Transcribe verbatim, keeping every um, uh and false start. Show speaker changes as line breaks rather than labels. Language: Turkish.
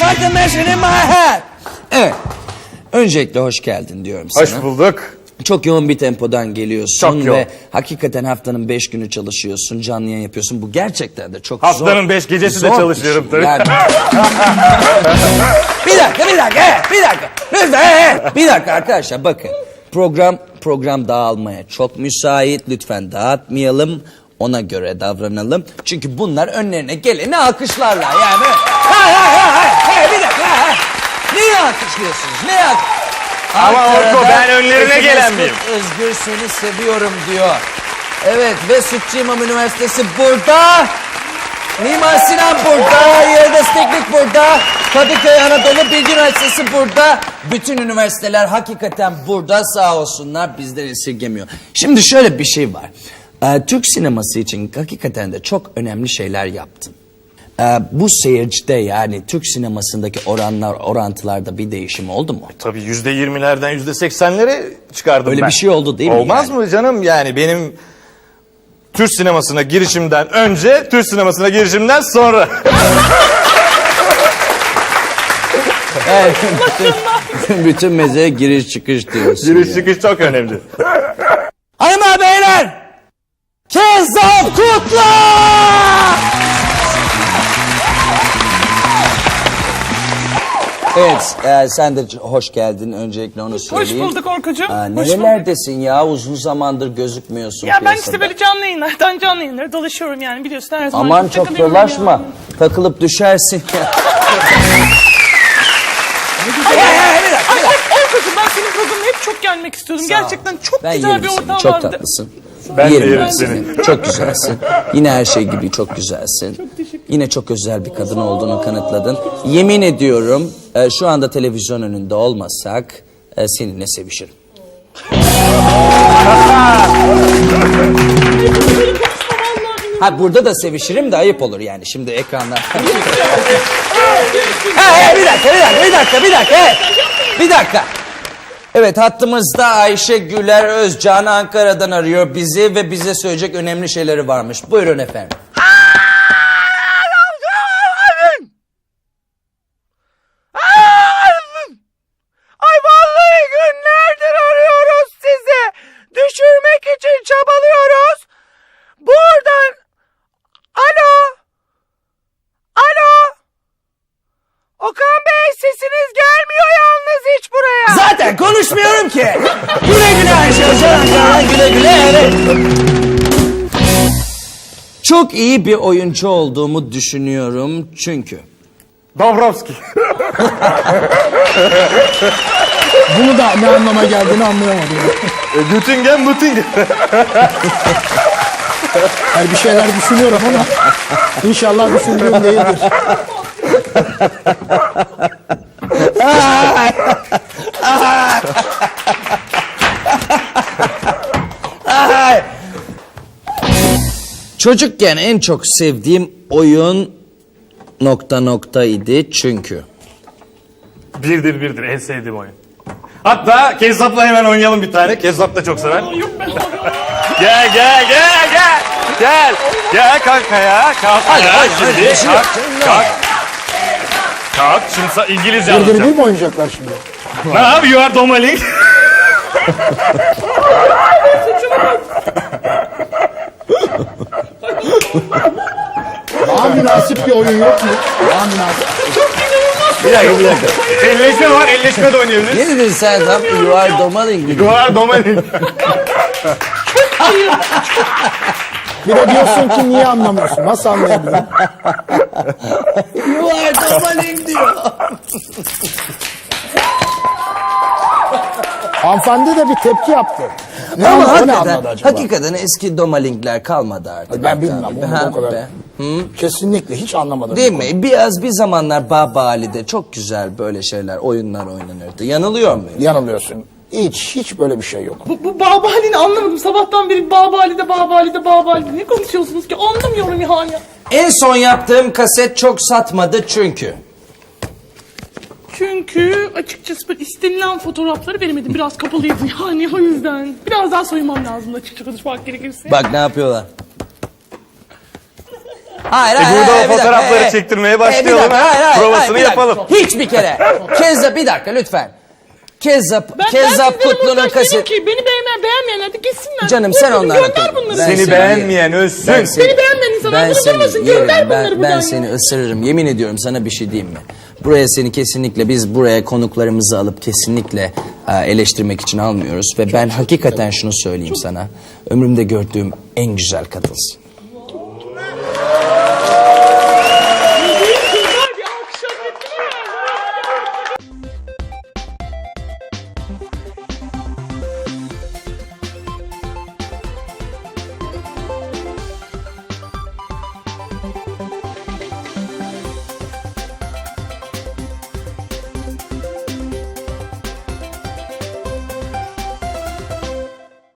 like a machine in my head. Evet. Öncelikle hoş geldin diyorum sana.
Hoş bulduk.
Çok yoğun bir tempodan geliyorsun.
Çok yoğun.
Ve hakikaten haftanın beş günü çalışıyorsun, canlı yayın yapıyorsun. Bu gerçekten de çok
Haftanın
zor.
Haftanın beş gecesi
zor
de çalışıyorum
bir şey.
tabii.
Yani... bir dakika, bir dakika, bir dakika. Lütfen, bir dakika arkadaşlar bakın. Program program dağılmaya çok müsait. Lütfen dağıtmayalım. Ona göre davranalım. Çünkü bunlar önlerine geleni alkışlarlar. Yani hay hay hay hay. Hey, bir dakika. Hay. Neyi alkışlıyorsunuz? Neyi alkışlıyorsunuz?
Ama
Ankara'da
Orko ben önlerine
Ekim
gelen
Özgür,
miyim?
Özgür seni seviyorum diyor. Evet ve Sütçü İmam Üniversitesi burada. Mimar Sinan burada. Yıldız Teknik burada. Kadıköy Anadolu Bilgi Üniversitesi burada. Bütün üniversiteler hakikaten burada, sağ olsunlar, bizleri esirgemiyor. Şimdi şöyle bir şey var. Ee, Türk sineması için hakikaten de çok önemli şeyler yaptın. Ee, bu seyircide yani Türk sinemasındaki oranlar, orantılarda bir değişim oldu mu?
Tabii yüzde yirmilerden yüzde seksenlere çıkardım
Öyle
ben.
bir şey oldu değil mi?
Olmaz
yani?
mı canım? Yani benim Türk sinemasına girişimden önce, Türk sinemasına girişimden sonra.
Evet, bütün, bütün mezeye giriş çıkış diyorsun.
Giriş
yani.
çıkış çok önemli.
Hanımlar beyler! Kezzap Kutla! Evet, e, sen de hoş geldin. Öncelikle onu söyleyeyim.
Hoş bulduk Orkucuğum.
Aa,
Hoş bulduk.
nerelerdesin ya? Uzun zamandır gözükmüyorsun
Ya ben
piyasada.
işte böyle canlı yayınlardan canlı yayınlara dolaşıyorum yani biliyorsun her zaman.
Aman çok
takılıyorum
dolaşma.
yani.
Takılıp düşersin.
Ay, ay, ay, bir dakika, bir dakika. Orkucuğum ben senin programına hep çok gelmek istiyordum.
Sağ ol.
Gerçekten çok
Ben
güzel
yerim
bir
seni,
ortam
çok
vardı.
tatlısın.
Ben de
Yerim
yerim
ben
seni.
Çok güzelsin. Yine her şey gibi çok güzelsin. Yine çok özel bir kadın olduğunu kanıtladın. Yemin ediyorum e, şu anda televizyon önünde olmasak e, seninle sevişirim. Ha burada da sevişirim de ayıp olur yani şimdi ekranda. Hey, hey, bir dakika, bir dakika, bir dakika, bir dakika. Hey. Bir dakika. Evet hattımızda Ayşe Güler Özcan Ankara'dan arıyor bizi ve bize söyleyecek önemli şeyleri varmış. Buyurun efendim.
Ay vallahi günlerdir arıyoruz sizi. Düşürmek için çabalıyoruz. Buradan. Alo. Alo. Okan Bey sesiniz gelmiyor yalnız hiç buraya.
Zaten konuşmuyorum ki. Güle güle Ayşe Özcan Ankara'dan güle güle evet. Çok iyi bir oyuncu olduğumu düşünüyorum çünkü.
Dabrowski.
Bunu da ne anlama geldiğini anlayamadım.
E, Göttingen, Göttingen.
Yani bir şeyler düşünüyorum ama inşallah düşündüğüm değildir.
Çocukken en çok sevdiğim oyun nokta nokta idi çünkü.
Birdir birdir en sevdiğim oyun. Hatta Kezzap'la hemen oynayalım bir tane. Kezzap da çok sever.
Yok ben
Gel gel gel gel. Gel. Gel kalk ya. Kalk.
Hadi,
ya.
hadi,
Şimdi
hadi,
kalk.
hadi.
Kalk. Kalk. Şimdi sa- İngilizce
Bir
anlatacağım.
bir mi oynayacaklar şimdi?
Ne abi? You are domaling.
Daha münasip bir oyun yok mu? Daha münasip.
Bir dakika bir dakika.
Elleşme var. Elleşme de oynayabiliriz.
Ne dedin sen tam? You are domaling.
You are domaling.
Bir de diyorsun ki niye anlamıyorsun? Nasıl anlayabilirim?
You are domaling diyor.
Hanımefendi de bir tepki yaptı. Ne,
Ama
anladı, o ne
hakikaten,
anladı acaba?
hakikaten eski domalingler kalmadı artık.
Ben bilmem
Abi.
onu
Ha,
o kadar.
be.
Kesinlikle hiç anlamadım.
Değil mi? Biraz bir zamanlar Baba Ali'de çok güzel böyle şeyler, oyunlar oynanırdı. Yanılıyor muyum?
Yanılıyorsun. Hiç, hiç böyle bir şey yok.
Bu, bu Baba Ali'ni anlamadım. Sabahtan beri Baba Ali'de Baba Ali'de Baba Ali'de. Ne konuşuyorsunuz ki? Anlamıyorum yani.
En son yaptığım kaset çok satmadı çünkü.
Çünkü açıkçası böyle istenilen fotoğrafları veremedim. Biraz kapalıydı yani o yüzden. Biraz daha soyunmam lazım açıkça konuşmak gerekirse.
Bak ne yapıyorlar. Hayır,
E,
hayır,
burada
hayır,
o
bir dakika,
fotoğrafları
hayır.
çektirmeye
E, bir
başlayalım,
dakika,
ha?
hayır, hayır,
Provasını
hayır, bir dakika.
yapalım.
Hiçbir kere. Kezzap bir dakika lütfen. Kezzap,
Ben,
Kezzap
ben sizlere
Kutlu'nun
montaj
kaset...
dedim ki beni beğenmeyen, beğenmeyenler de gitsinler.
Canım
Vur
sen
bunu,
onlara
gönder
konuş.
bunları.
Ben
Seni
seni-
beğenmeyen ölsün.
Ben seni,
Beni beğenmeyen insanlar
ben
bunu
seni
bulmasın,
yerim.
gönder bunları
Ben,
buradan
ben
ya.
seni ısırırım. Yemin ediyorum sana bir şey diyeyim mi? Buraya seni kesinlikle biz buraya konuklarımızı alıp kesinlikle e, eleştirmek için almıyoruz. Ve ben hakikaten şunu söyleyeyim sana. Ömrümde gördüğüm en güzel kadınsın.